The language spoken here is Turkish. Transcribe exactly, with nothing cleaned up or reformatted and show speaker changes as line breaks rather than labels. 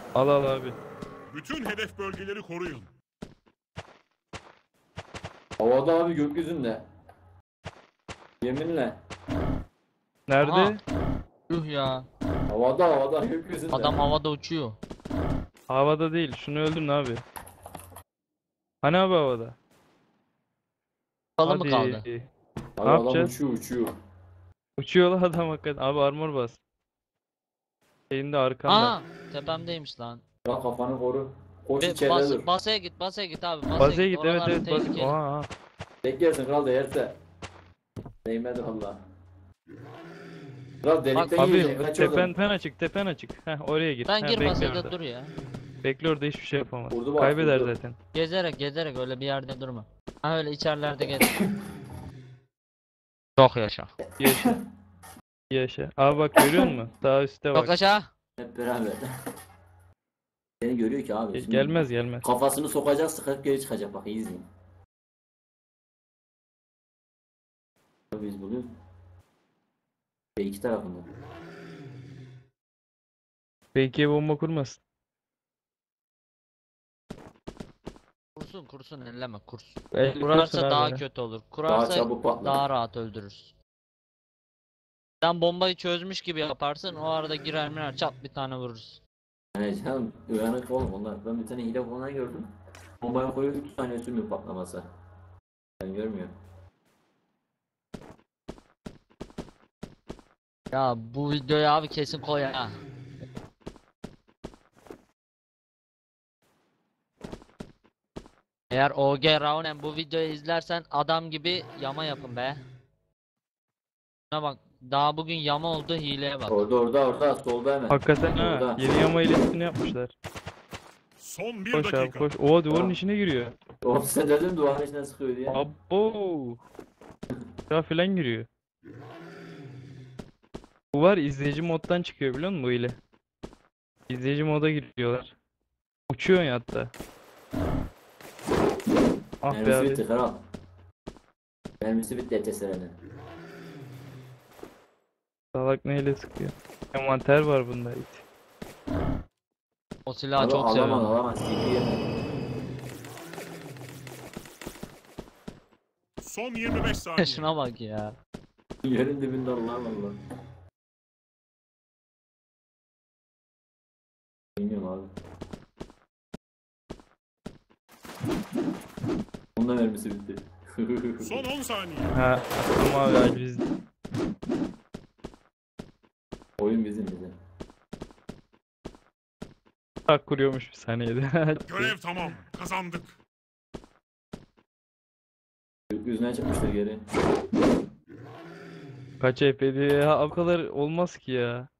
Al al abi.
Bütün hedef bölgeleri koruyun.
Havada abi, gökyüzünde. Yeminle.
Nerede?
Aha. Yuh ya.
Havada havada gökyüzünde.
Adam havada uçuyor.
Havada değil. Şunu öldürün abi. Hani abi havada?
Kalı mı
Hadi.
kaldı?
Abi
Ne
adam
yapacağız?
uçuyor uçuyor.
Uçuyor lan adam hakikaten. Abi armor bas. Şeyinde arkanda.
Aha. Tepemdeymiş lan.
Ya kafanı koru. Koş
Ve
içeride
bas,
dur.
basaya git, basaya git abi. Basaya,
Bazaya git, evet
Oralar
evet bas.
tehlikeli.
Oha, aha.
Tek yersin kral, değerse. Değmedi valla. Kral delikten
Abi
yiyecek, kaç oradan.
tepen pen açık, tepen açık. Heh oraya git.
Ben
Heh,
gir
bekle
basaya
orada.
dur ya.
Bekle orada, hiçbir şey yapamaz.
Vurdu bak,
Kaybeder
vurdu.
zaten.
Gezerek gezerek öyle bir yerde durma. Ha öyle içerilerde gez. Çok yaşa.
Yaşa. Yaşa. Abi bak görüyor musun? Sağ üstte
Çok
bak.
yaşa.
Hep beraber. Seni görüyor ki abi.
Ge-
Şimdi
Gelmez gelmez.
kafasını sokacak, sıkıp geri çıkacak, bak iyi izleyin. Biz buluyoruz. Ve iki tarafında.
Belki bomba kurmasın.
Kursun kursun elleme kursun.
Belki
Kurarsa
kursun abi
daha
ya.
kötü olur.
Daha
Kurarsa
çabuk patlar.
daha rahat öldürürüz. Sen bombayı çözmüş gibi yaparsın. O arada girer mirer çat bir tane vururuz.
Yani canım uyanık oğlum onlar. Ben bir tane hile falan gördüm. Bombaya koyuyor, üç tane sürmüyor patlaması. Ben görmüyorum.
Ya bu videoyu abi kesin koy ha. Eğer O G Raunen bu videoyu izlersen adam gibi yama yapın be. Şuna bak, daha bugün yama oldu, hileye bak.
Orada orada orada solda hemen.
Hakikaten ha.
Orada.
Yeni yama hilesini yapmışlar.
Son bir
Koş abi
dakika.
koş. Oha duvarın
Tamam.
içine giriyor.
Oğlum sen dedim duvarın içine sıkıyor diye.
Abo. Ya filan giriyor. Bu var izleyici moddan çıkıyor biliyor musun bu hile? İzleyici moda giriyorlar. Uçuyor ya hatta. Ah be
Mermisi
abi.
bitti kral. Mermisi bitti E T S'lerin.
Salak neyle sıkıyor? Envanter var bunda it.
O silahı
Abi
çok
alamaz
seviyorum.
alamaz. C P yeme.
Son yirmi beş saniye.
Şuna bak ya.
Yerin dibinde Allah Allah. Bilmiyorum abi. Onun da mermisi bitti.
Son on saniye.
Ha, tamam abi hadi biz.
Oyun bizim bize.
Tak kuruyormuş bir saniyede.
Görev tamam. Kazandık.
Gökyüzüne çıkmıştır geri.
Kaç F P diye ya o kadar olmaz ki ya.